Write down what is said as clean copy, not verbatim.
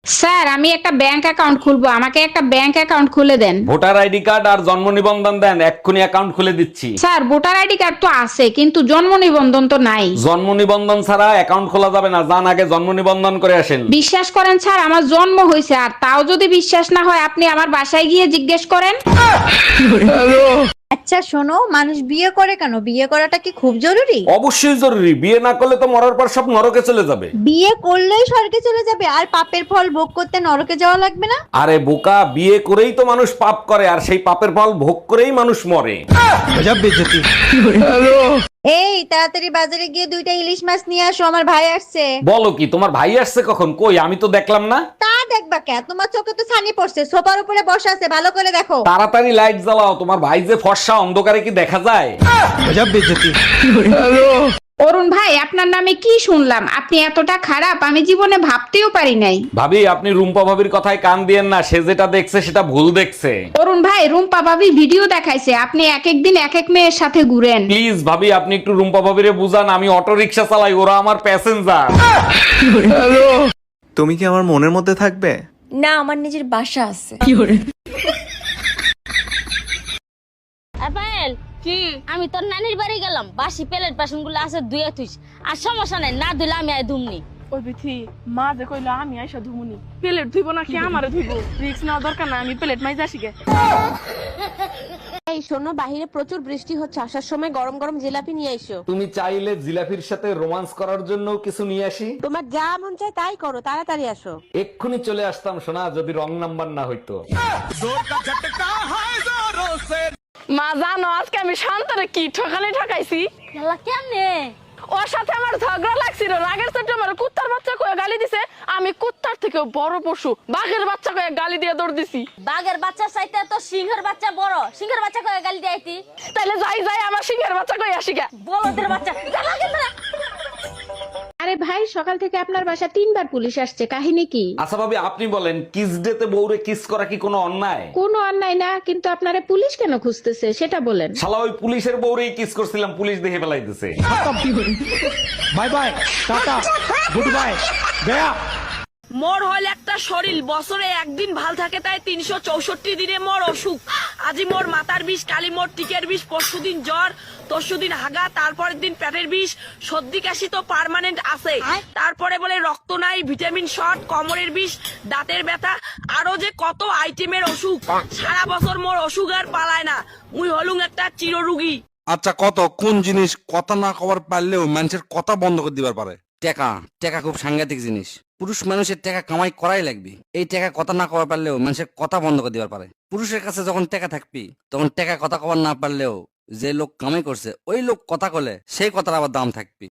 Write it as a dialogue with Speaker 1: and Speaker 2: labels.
Speaker 1: Sir আমি একটা bank account খুলবো, আমাকে একটা ব্যাংক অ্যাকাউন্ট খুলে দেন।
Speaker 2: ভোটার আইডি কার্ড আর জন্ম নিবন্ধন দেন, এক্ষুনি অ্যাকাউন্ট খুলে দিচ্ছি।
Speaker 1: স্যার ভোটার আইডি কার্ড তো আছে কিন্তু জন্ম নিবন্ধন তো নাই।
Speaker 2: জন্ম নিবন্ধন ছাড়া অ্যাকাউন্ট খোলা যাবে না, যান আগে জন্ম নিবন্ধন করে আসেন।
Speaker 1: বিশ্বাস করেন স্যার, আমার জন্ম হয়েছে, আর তাও যদি বিশ্বাস না হয় আপনি আমার বাসায় গিয়ে জিজ্ঞেস করেন।
Speaker 3: আচ্ছা শোনো, মানুষ বিয়ে করে কেন? বিয়ে করাটা কি খুব জরুরি?
Speaker 2: অবশ্যই জরুরি, বিয়ে না করলে তো মরার পর সব নরকে চলে যাবে।
Speaker 3: বিয়ে করলেই স্বর্গে চলে যাবে আর পাপের ফল ভোগ করতে নরকে যাওয়া লাগবে না?
Speaker 2: আরে বোকা, বিয়ে করেই তো মানুষ পাপ করে, আর সেই পাপের ফল ভোগ করেই মানুষ মরে।
Speaker 3: এই তাড়াতাড়ি বাজারে গিয়ে 2টা ইলিশ মাছ নিয়ে আসো, আমার ভাই আসছে।
Speaker 2: বলো কি, তোমার ভাই আসছে কখন? কই, আমি তো দেখলাম না।
Speaker 3: তা দেখবা কে? তোমার চোখে তো ছানি পড়ছে, সোফার উপরে বসে আছে, ভালো করে দেখো।
Speaker 2: তাড়াতাড়ি লাইট জ্বালাও, তোমার ভাই যে ফর্সা, অন্ধকারে কি দেখা যায়?
Speaker 1: অরুণ ভাই, আপনার নামে কি শুনলাম? আপনি এতটা খারাপ আমি জীবনে ভাবতেও পারি নাই।
Speaker 2: ভাবি, আপনি রুম্পা ভাবির কথায় কান দিয়েন না, সে যেটা দেখছে সেটা ভুল দেখছে।
Speaker 1: অরুণ ভাই, রুম্পা ভাবি ভিডিও দেখাইছে আপনি এক এক দিন এক এক মেয়ের সাথে ঘুরেন।
Speaker 2: প্লিজ ভাবি, আপনি একটু রুম্পা ভাবিরে বুঝান, আমি অটো রিক্সা চালাই, ওরা আমার প্যাসেঞ্জার।
Speaker 4: তুমি কি আমার মনের মধ্যে থাকবে?
Speaker 5: না, আমার নিজের বাসা আছে।
Speaker 6: আপেল কি? আমি তোর নানির বাড়ি গেলাম, বাসি প্লেট বাসন গুলো আছে ধুয়ে থুইস, আর সমস্যা নাই, না ধুলে আমি আই ধুমনি।
Speaker 7: ওই বিথি মা যে কইলো আমি আইসা ধুমুনি, প্লেট ধুইব নাকি আমারে ধুইব? রিস্ক নেওয়া দরকার না, আমি প্লেট মাইজ আসি গে।
Speaker 5: এই শোনো, বাহিরে প্রচুর বৃষ্টি হচ্ছে, আসার সময় গরম গরম জিলাপি নিয়ে এসো।
Speaker 2: তুমি চাইলে জিলাফির সাথে রোমান্স করার জন্য কিছু নিয়ে আসি।
Speaker 5: তোমার যা মন চায় তাই করো, তাড়াতাড়ি আসো।
Speaker 2: এক্ষুনি চলে আসতাম সোনা, যদি রং নাম্বার না হইতো।
Speaker 7: মা জানো আজকে আমি শান্তরে কি ঠকানি ঠকাইছি?
Speaker 6: খেলা কেমনে?
Speaker 7: ওর সাথে আমার ঝগড়া লাগছিল, রাগের চোটে আমার কুত্তার বাচ্চা কয়ে গালি দিছে, আমি কুত্তার থেকে বড় পশু বাঘের বাচ্চা কয়ে গালি দিয়ে দৌড় দিছি।
Speaker 6: বাঘের বাচ্চা চাইতে তো সিংহের বাচ্চা বড়, সিংহের বাচ্চা কয়ে গালি দিয়েছি।
Speaker 7: তাইলে যাই যাই আমার সিংহের বাচ্চা কয়ে আসি গে।
Speaker 6: বলদের বাচ্চা জ্বালা কিন্তু না।
Speaker 1: আরে ভাই, সকাল থেকে আপনার বাসা 3বার পুলিশ আসছে, কাহিনী কি?
Speaker 2: আচ্ছা ভাবি, আপনি বলেন, কিস ডেতে বউরে কিস করা কি কোনো অন্যায়?
Speaker 1: কোনো অন্যায় না, কিন্তু আপনারে পুলিশ কেন খুঁজতেছে সেটা বলেন।
Speaker 2: শালা ওই পুলিশের বউরেই কিস করছিলাম, পুলিশ দেখে ফেলাইতেছে।
Speaker 8: Bye bye, tata, good bye, গয়া।
Speaker 7: মোর হল একটা শরীর, বছরে একদিন ভাল থাকে, তাই 364 দিনে মোর অসুখ। আজি মোর মাথার বিষ, কালি মোর টিকের বিষ, পরশুদিন জ্বর, তরশুদিন হাগা, তারপরের দিন পেটের বিষ, সর্দি কাশি তো পার্মানেন্ট আছে, তারপরে বলে রক্ত নাই, ভিটামিন শর্ট, কোমরের বিষ, দাঁতের ব্যথা, আরো যে কত আইটেমের অসুখ। সারা বছর মোর অসুখ আর পালায় না, মুই হলুম একটা চিররোগী।
Speaker 9: আচ্ছা, কত কোন জিনিস কথা না কবার পারলেও মানুষের কথা বন্ধ করে দিবার পারে? টাকা। টাকা খুব সাংঘাতিক জিনিস, পুরুষ মানুষের টাকা কামাই করাই লাগবে। এই টাকা কথা না কবার পারলেও মানুষের কথা বন্ধ করে দিবার পারে। পুরুষের কাছে যখন টাকা থাকবি তখন টাকা কথা কবার না পারলেও যে লোক কামাই করছে ওই লোক কথা কলে সেই কথার আবার দাম থাকবি।